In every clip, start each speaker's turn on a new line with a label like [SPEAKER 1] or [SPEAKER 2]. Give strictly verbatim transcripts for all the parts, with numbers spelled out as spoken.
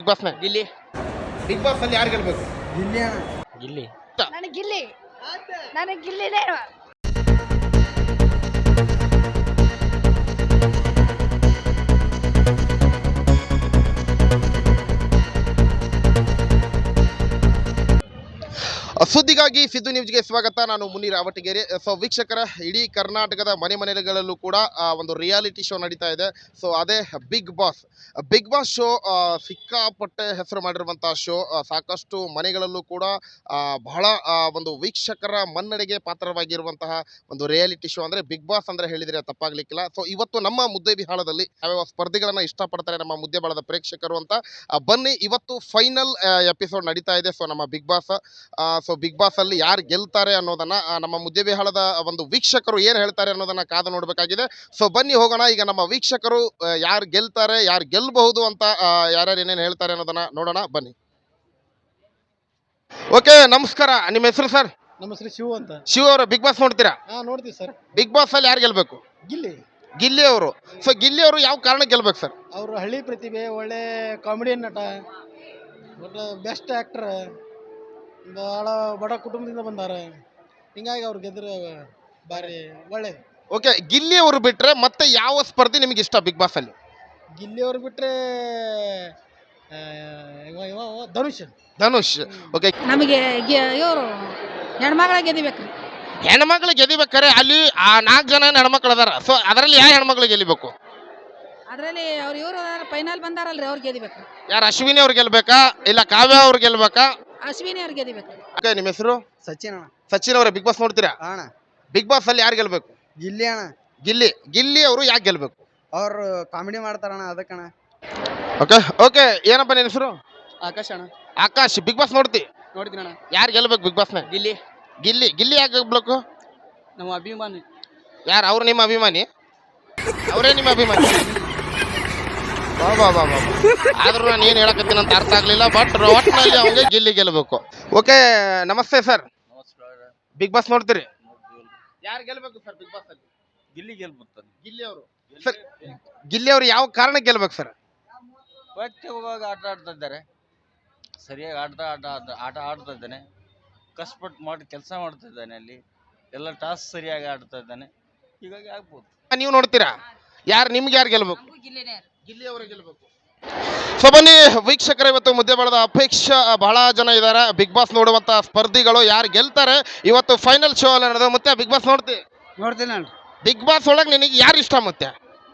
[SPEAKER 1] Big boss ನ
[SPEAKER 2] Gilli
[SPEAKER 1] big boss ಅಲ್ಲಿ ಯಾರು ಗೆಲ್ಬೇಕು?
[SPEAKER 3] ಗಿಲ್ಲಿ ಅಣ್ಣ.
[SPEAKER 2] ಗಿಲ್ಲಿ
[SPEAKER 4] ನನಗೆ ಗಿಲ್ಲಿ ನನಗೆ ಗಿಲ್ಲಿನೇ
[SPEAKER 1] ಸುದ್ದಿಗಾಗಿ ಸಿದ್ದು ನ್ಯೂಸ್ಗೆ ಸ್ವಾಗತ. ನಾನು ಮುನೀರ್ ಅವಟಗೆರೆ. ಸೊ ವೀಕ್ಷಕರ, ಇಡೀ ಕರ್ನಾಟಕದ ಮನೆ ಮನೆಗಳಲ್ಲೂ ಕೂಡ ಆ, ಒಂದು ರಿಯಾಲಿಟಿ ಶೋ ನಡೀತಾ ಇದೆ. ಸೊ ಅದೇ big boss. Big boss show ಸಿಕ್ಕಾಪಟ್ಟೆ ಹೆಸರು ಮಾಡಿರುವಂಥ ಶೋ. ಸಾಕಷ್ಟು ಮನೆಗಳಲ್ಲೂ ಕೂಡ ಆ, ಬಹಳ ಆ, ಒಂದು ವೀಕ್ಷಕರ ಮನ್ನಣೆಗೆ ಪಾತ್ರವಾಗಿರುವಂತಹ ಒಂದು ರಿಯಾಲಿಟಿ ಶೋ ಅಂದರೆ ಬಿಗ್ ಬಾಸ್ ಅಂದರೆ ಹೇಳಿದರೆ ತಪ್ಪಾಗಲಿಕ್ಕಿಲ್ಲ. ಸೊ ಇವತ್ತು ನಮ್ಮ ಮುದ್ದೆ ಬಿಹಾಳದಲ್ಲಿ ಯಾವ್ಯಾವ ಸ್ಪರ್ಧೆಗಳನ್ನು ಇಷ್ಟಪಡ್ತಾರೆ ನಮ್ಮ ಮುದ್ದೆ ಬಾಳದ ಪ್ರೇಕ್ಷಕರು ಅಂತ ಆ, ಬನ್ನಿ. ಇವತ್ತು ಫೈನಲ್ ಎಪಿಸೋಡ್ ನಡೀತಾ ಇದೆ. ಸೊ ನಮ್ಮ big boss so big boss ಅಲ್ಲಿ ಯಾರು ಗೆಲ್ತಾರೆ ಅನ್ನೋದನ್ನ ಆ, ನಮ್ಮ ಮುದ್ದೆಬಿಹಾಳದ ಒಂದು ವೀಕ್ಷಕರು ಏನು ಹೇಳ್ತಾರೆ ಅನ್ನೋದನ್ನ ಕಾದು ನೋಡಬೇಕಾಗಿದೆ. ಸೊ ಬನ್ನಿ ಹೋಗೋಣ. ಈಗ ನಮ್ಮ ವೀಕ್ಷಕರು ಯಾರು ಗೆಲ್ತಾರೆ, ಯಾರು ಗೆಲ್ಲಬಹುದು ಅಂತ ಯಾರ್ಯಾರು ಏನೇನು ಹೇಳ್ತಾರೆ ಅನ್ನೋದನ್ನ ನೋಡೋಣ ಬನ್ನಿ. ಓಕೆ, ನಮಸ್ಕಾರ. ನಿಮ್ಮ ಹೆಸರು ಸರ್?
[SPEAKER 3] ನಮ್ಮ ಹೆಸರು ಶಿವ ಅಂತ.
[SPEAKER 1] ಶಿವ ಅವರು ಬಿಗ್ ಬಾಸ್ ನೋಡ್ತೀರಾ?
[SPEAKER 3] ಹಾ, ನೋಡ್ತೀವಿ ಸರ್.
[SPEAKER 1] ಬಿಗ್ ಬಾಸ್ ಅಲ್ಲಿ ಯಾರು ಗೆಲ್ಬೇಕು?
[SPEAKER 3] ಗಿಲ್ಲಿ
[SPEAKER 1] ಗಿಲ್ಲಿ ಅವರು. ಸೊ ಗಿಲ್ಲಿ ಅವರು ಯಾವ ಕಾರಣಕ್ಕೆ ಗೆಲ್ಬೇಕು ಸರ್?
[SPEAKER 3] ಅವರು ಹಳ್ಳಿ ಪ್ರತಿಭೆ, ಒಳ್ಳೆ ಕಾಮಿಡಿಯನ್ ನಟ, ಒಳ್ಳೆ ಬೆಸ್ಟ್ ಆಕ್ಟರ್, ಭಾಳ ಬಡ ಕುಟುಂಬದಿಂದ ಬಂದಾರ. ಹಿಂಗಾಗಿ ಅವ್ರು ಗೆದ್ರೆ ಭಾರಿ ಒಳ್ಳೇದು.
[SPEAKER 1] ಓಕೆ, ಗಿಲ್ಲಿ ಅವರು ಬಿಟ್ರೆ ಮತ್ತೆ ಯಾವ ಸ್ಪರ್ಧೆ ನಿಮಗೆ ಇಷ್ಟ ಬಿಗ್ ಬಾಸ್ ಅಲ್ಲಿ?
[SPEAKER 3] ಗಿಲ್ಲಿ ಅವ್ರು ಬಿಟ್ರೆ ಆ, ಇವ ಇವ ಇವ ಧನುಷ್.
[SPEAKER 1] ಧನುಷ್. ಓಕೆ,
[SPEAKER 4] ನಮಗೆ ಇವರು ಹೆಣ್ಮಗಳ ಗೆದಿಬೇಕ್ರಿ.
[SPEAKER 1] ಹೆಣ್ಮಕ್ಳು ಗೆದಿಬೇಕಾರೆ ಅಲ್ಲಿ ಆ ನಾಲ್ಕು ಜನ ಹೆಣ್ಮಕ್ಳು ಅದಾರ. ಸೊ ಅದರಲ್ಲಿ ಯಾವ ಹೆಣ್ಮಕ್ಳು ಗೆಲ್ಲಿಬೇಕು?
[SPEAKER 4] ಅದರಲ್ಲಿ ಅವ್ರು ಇವರು ಫೈನಲ್ ಬಂದಾರಲ್ರಿ, ಅವ್ರು ಗೆದಿಬೇಕ್ರಿ.
[SPEAKER 1] ಯಾರು, ಅಶ್ವಿನಿ ಅವ್ರು ಗೆಲ್ಬೇಕಾ ಇಲ್ಲ ಕಾವ್ಯ ಅವ್ರು ಗೆಲ್ಬೇಕಾ?
[SPEAKER 4] ಅಶ್ವಿನಿ ಅವ್ರು ಗೆದಿಬೇಕ್ರಿ.
[SPEAKER 1] ಓಕೆ, ನಿಮ್ಮ ಹೆಸರು?
[SPEAKER 3] ಸಚಿನ್ ಅಣ್ಣ.
[SPEAKER 1] ಸಚಿನ್ ಅವರೇ, ಬಿಗ್ ಬಾಸ್ ನೋಡ್ತೀರಾ?
[SPEAKER 3] ಅಣ್ಣ,
[SPEAKER 1] ಬಿಗ್ ಬಾಸ್ ಅಲ್ಲಿ ಯಾರು ಗೆಲ್ಬೇಕು?
[SPEAKER 3] ಗಿಲ್ಲಿ ಅಣ್ಣ.
[SPEAKER 1] ಗಿಲ್ಲಿ. ಗಿಲ್ಲಿ ಅವರು ಯಾಕೆ ಗೆಲ್ಬೇಕು?
[SPEAKER 3] ಅವ್ರು ಕಾಮಿಡಿ ಮಾಡ್ತಾರಣ್ಣ, ಅದಕ್ಕಣ್ಣ.
[SPEAKER 1] ಓಕೆ ಓಕೆ ಏನಪ್ಪ ನಿನ್ನ ಹೆಸರು?
[SPEAKER 2] ಆಕಾಶ ಅಣ್ಣ.
[SPEAKER 1] ಆಕಾಶ್. ಬಿಗ್ ಬಾಸ್ ನೋಡ್ತಿ?
[SPEAKER 2] ನೋಡ್ತೀನಿ ಅಣ್ಣ.
[SPEAKER 1] ಯಾರು ಗೆಲ್ಬೇಕು ಬಿಗ್ ಬಾಸ್ನ?
[SPEAKER 2] ಗಿಲ್ಲಿ
[SPEAKER 1] ಗಿಲ್ಲಿ. ಗಿಲ್ಲಿ ಯಾಕೆ ಗೆಲ್ಬೇಕು?
[SPEAKER 2] ನಮ್ಮ ಅಭಿಮಾನಿ.
[SPEAKER 1] ಯಾರು ಅವ್ರು? ನಿಮ್ಮ ಅಭಿಮಾನಿ? ಅವರೇ ನಿಮ್ಮ ಅಭಿಮಾನಿ? ಬಾ ಬಾ ಬಾ ಬಾ ಆದ್ರೂ ನಾನು ಏನು ಹೇಳಕತ್ತೀನಿ ಅಂತ ಅರ್ಥ ಆಗ್ಲಿಲ್ಲ. ಬಟ್ ಒಟ್ಟಿನಲ್ಲಿ ಅವಂಗೆ ಗಿಲ್ಲಿ ಗೆಲ್ಬೇಕು. ಓಕೆ, ನಮಸ್ತೆ ಸರ್. ಬಿಗ್ ಬಾಸ್ ನೋಡ್ತೀರಿ? ಯಾರು ಗೆಲ್ಬೇಕು ಸರ್ ಬಿಗ್ ಬಾಸ್ ಅಲ್ಲಿ?
[SPEAKER 2] ಗಿಲ್ಲಿ ಗೆಲ್ಬುತ್ತಾನೆ.
[SPEAKER 1] ಗಿಲ್ಲಿ ಅವರು. ಸರ್, ಗಿಲ್ಲಿ ಅವರು ಯಾವ ಕಾರಣಕ್ಕೆ ಗೆಲ್ಬೇಕು ಸರ್?
[SPEAKER 2] ಹೋಗುವಾಗ ಆಟ ಆಡ್ತಾ ಇದ್ದಾರೆ, ಸರಿಯಾಗಿ ಆಡ್ತಾ ಆಟ ಆಟ ಆಟ ಆಡ್ತಾ ಇದ್ದಾನೆ, ಕಷ್ಟಪಟ್ಟು ಮಾಡಿ ಕೆಲಸ ಮಾಡ್ತಾ ಇದ್ದಾನೆ, ಅಲ್ಲಿ ಎಲ್ಲ ಟಾಸ್ಕ್ ಸರಿಯಾಗಿ ಆಡ್ತಾ ಇದ್ದಾನೆ, ಹೀಗಾಗಿ ಆಗ್ಬೋದು.
[SPEAKER 1] ನೀವು ನೋಡ್ತೀರಾ? ಯಾರು ನಿಮ್ಗೆ ಯಾರು ಗೆಲ್ಬೇಕು? ಗಿಲ್ಲಿ ಅವರೇ ಗೆಲ್ಬೇಕು. ಸೊ ಬನ್ನಿ ವೀಕ್ಷಕರ, ಇವತ್ತು ಮುದ್ದೆ ಬಾಳದ ಅಪೇಕ್ಷೆ ಬಹಳ ಜನ ಇದ್ದಾರೆ. ಬಿಗ್ ಬಾಸ್ ನೋಡುವಂತ ಸ್ಪರ್ಧಿಗಳು ಯಾರು ಗೆಲ್ತಾರೆ ಇವತ್ತು ಫೈನಲ್ ಶೋ ಅಲ್ಲಿ ನಡೆದ. ಮತ್ತೆ ಬಿಗ್ ಬಾಸ್ ನೋಡ್ತಿ?
[SPEAKER 3] ನೋಡ್ತೀನಿ ಅಣ್ಣ.
[SPEAKER 1] ಬಿಗ್ ಬಾಸ್ ಒಳಗೆ ನಿನಗೆ ಯಾರು ಇಷ್ಟ? ಮತ್ತೆ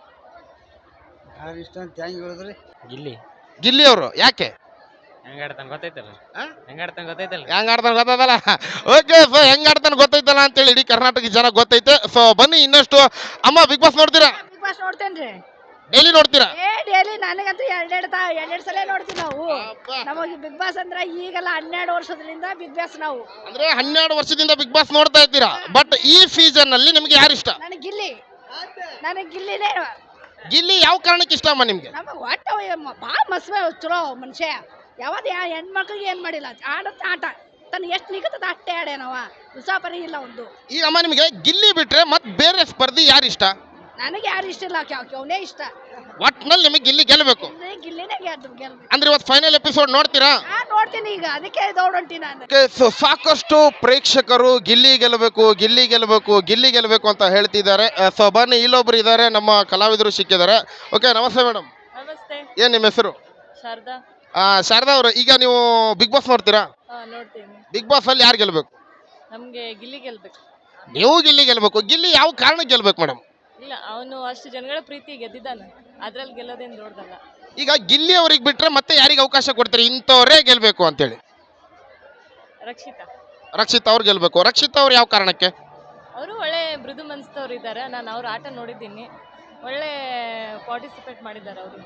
[SPEAKER 3] ಯಾರು ಇಷ್ಟ ಅಂತ ಹೆಂಗೆ ಹೇಳಿದ್ರಿ?
[SPEAKER 2] ಗಿಲ್ಲಿ
[SPEAKER 1] ಗಿಲ್ಲಿ ಅವರು. ಯಾಕೆ?
[SPEAKER 2] ಹೆಂಗ ಆಡ್ತಾನೆ ಗೊತ್ತೈತಲ್ಲ, ಹೆಂಗ ಆಡ್ತಾನೆ ಗೊತ್ತೈತಲ್ಲ,
[SPEAKER 1] ಹೆಂಗ್ ಆಡ್ತಾನೆ ಗೊತ್ತೈತಲ್ಲ. ಓಕೆ, ಸೊ ಹೆಂಗ್ ಆಡ್ತಾನೆ ಗೊತ್ತೈತಲ್ಲ ಅಂತೇಳಿ ಇಡೀ ಕರ್ನಾಟಕ ಜನ ಗೊತ್ತೈತೆ. ಸೊ ಬನ್ನಿ ಇನ್ನಷ್ಟು. ಅಮ್ಮ, ಬಿಗ್ ಬಾಸ್ ನೋಡ್ತೀರಾ?
[SPEAKER 4] ಬಿಗ್ ಬಾಸ್ ನೋಡ್ತೇನ್ರಿ.
[SPEAKER 1] ಡೈಲಿ ನೋಡ್ತೀರಾ?
[SPEAKER 4] ಏ ಡೈಲಿ ನನಗಂತೂ ಎರಡೆರಡು ತಾ ಎರಡೆರಡು ಸಲ ನೋಡ್ತೀವಿ ನಾವು. ನಮಗೆ ಬಿಗ್ ಬಾಸ್ ಅಂದ್ರೆ ಈಗಲ್ಲ, ಹನ್ನೆರಡು ವರ್ಷದಿಂದ ಬಿಗ್ ಬಾಸ್ ನಾವು.
[SPEAKER 1] ಅಂದ್ರೆ ಹನ್ನೆರಡು ವರ್ಷದಿಂದ ಬಿಗ್ ಬಾಸ್ ನೋಡ್ತಾ ಇದ್ದೀರಾ. ಬಟ್ ಈ ಸೀಸನ್ ಅಲ್ಲಿ ನಿಮ್ಗೆ ಯಾರು ಇಷ್ಟ?
[SPEAKER 4] ನನಗೆ ಗಿಲ್ಲಿ ನನಗೆ ಗಿಲ್ಲಿನೇ.
[SPEAKER 1] ಗಿಲ್ಲಿ ಯಾವ ಕಾರಣಕ್ಕೆ ಇಷ್ಟ ಅಮ್ಮ ನಿಮ್ಗೆ?
[SPEAKER 4] ನಮಗೆ ಒಟ್ಟು ಭಾಳ ಮಸ್ತ್ ಚಲೋ ಮನುಷ್ಯ. ಯಾವ್ದು ಯಾ ಹೆಣ್ಮಕ್ಳಿಗೆ ಏನು ಮಾಡಿಲ್ಲ, ಆಡತ್ತ ಆಟ ತನ್ನ ಎಷ್ಟು ನಿಗತದ ಅಷ್ಟೇ ಆಡ್ಯಾನವ. ಉಸಾಪರಿ ಇಲ್ಲ ಒಂದು.
[SPEAKER 1] ಈಗ ಅಮ್ಮ, ನಿಮಗೆ ಗಿಲ್ಲಿ ಬಿಟ್ರೆ ಮತ್ತೆ ಬೇರೆ ಸ್ಪರ್ಧಿ ಯಾರು ಇಷ್ಟ?
[SPEAKER 4] ನನಗೆ ಯಾರು ಇಷ್ಟ ಇಲ್ಲ, ಅವನೇ ಇಷ್ಟ.
[SPEAKER 1] ಒಟ್ನಲ್ಲಿ ನಿಮಗೆ ಗಿಲ್ಲಿ ಗೆಲ್ಲಬೇಕು.
[SPEAKER 4] ಗಿಲ್ಲಿನೇ ಗೆದ್ದು ಗೆಲ್ಬೇಕು.
[SPEAKER 1] ಅಂದ್ರೆ ಇವತ್ತು ಫೈನಲ್ ಎಪಿಸೋಡ್ ನೋಡ್ತೀರಾ?
[SPEAKER 4] ಹಾ, ನೋಡ್ತೀನಿ. ಈಗ ಅದಕ್ಕೆ ದೌಡಂಟಿ ನಾನು.
[SPEAKER 1] Okay, so ಸಾಕಷ್ಟು ಪ್ರೇಕ್ಷಕರು ಗಿಲ್ಲಿ ಗೆಲ್ಲಬೇಕು, ಗಿಲ್ಲಿ ಗೆಲ್ಲಬೇಕು, ಗಿಲ್ಲಿ ಗೆಲ್ಲಬೇಕು ಅಂತ ಹೇಳ್ತಿದ್ದಾರೆ. ಸೊ ಬನ್ನಿ, ಇಲ್ಲೊಬ್ರು ಇದ್ದಾರೆ, ನಮ್ಮ ಕಲಾವಿದರು ಸಿಕ್ಕಿದ್ದಾರೆ. ಓಕೆ, ನಮಸ್ತೆ ಮೇಡಮ್.
[SPEAKER 5] ನಮಸ್ತೆ.
[SPEAKER 1] ಏನ್ ನಿಮ್ಮ ಹೆಸರು?
[SPEAKER 5] ಶಾರದಾ.
[SPEAKER 1] ಆ, ಶಾರದಾ ಅವರು, ಈಗ ನೀವು ಬಿಗ್ ಬಾಸ್ ನೋಡ್ತೀರಾ?
[SPEAKER 5] ಹಾ, ನೋಡ್ತೀನಿ.
[SPEAKER 1] ಬಿಗ್ ಬಾಸ್ ಅಲ್ಲಿ ಯಾರು ಗೆಲ್ಬೇಕು?
[SPEAKER 5] ನಮ್ಗೆ ಗಿಲ್ಲಿ ಗೆಲ್ಬೇಕು.
[SPEAKER 1] ನೀವು ಗಿಲ್ಲಿ ಗೆಲ್ಬೇಕು. ಗಿಲ್ಲಿ ಯಾವ ಕಾರಣಕ್ಕೆ ಗೆಲ್ಬೇಕು ಮೇಡಮ್?
[SPEAKER 5] ಇಲ್ಲ, ಅವನು ಅಷ್ಟು ಜನಗಳ ಪ್ರೀತಿ ಗೆದ್ದಿದ್ದಾನೆ, ಅದ್ರಲ್ಲಿ ಗೆಲ್ಲೋದೇನು ದೊಡ್ಡದಲ್ಲ.
[SPEAKER 1] ಈಗ ಗಿಲ್ಲಿ ಅವ್ರಿಗೆ ಬಿಟ್ರೆ ಮತ್ತೆ ಯಾರಿಗೆ ಅವಕಾಶ ಕೊಡ್ತೀರಿ ಇಂಥವ್ರೇ ಗೆಲ್ಬೇಕು ಅಂತೇಳಿ?
[SPEAKER 5] ರಕ್ಷಿತಾ.
[SPEAKER 1] ರಕ್ಷಿತ್ ಅವ್ರು ಗೆಲ್ಬೇಕು. ರಕ್ಷಿತ್ ಅವ್ರು ಯಾವ ಕಾರಣಕ್ಕೆ?
[SPEAKER 5] ಅವರು ಒಳ್ಳೆ ಮೃದು ಮನಸ್ಸವ್ರು ಇದ್ದಾರೆ. ನಾನು ಅವ್ರ ಆಟ ನೋಡಿದ್ದೀನಿ, ಒಳ್ಳೆ ಪಾರ್ಟಿಸಿಪೇಟ್ ಮಾಡಿದ್ದಾರೆ ಅವರು.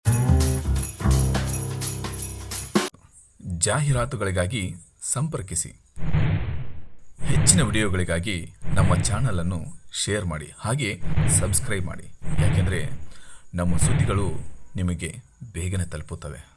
[SPEAKER 6] ಜಾಹೀರಾತುಗಳಿಗಾಗಿ ಸಂಪರ್ಕಿಸಿ. ಹೆಚ್ಚಿನ ವಿಡಿಯೋಗಳಿಗಾಗಿ ನಮ್ಮ ಚಾನಲನ್ನು ಶೇರ್ ಮಾಡಿ, ಹಾಗೆ ಸಬ್ಸ್ಕ್ರೈಬ್ ಮಾಡಿ. ಯಾಕೆಂದರೆ ನಮ್ಮ ಸುದ್ದಿಗಳು ನಿಮಗೆ ಬೇಗನೆ ತಲುಪುತ್ತವೆ.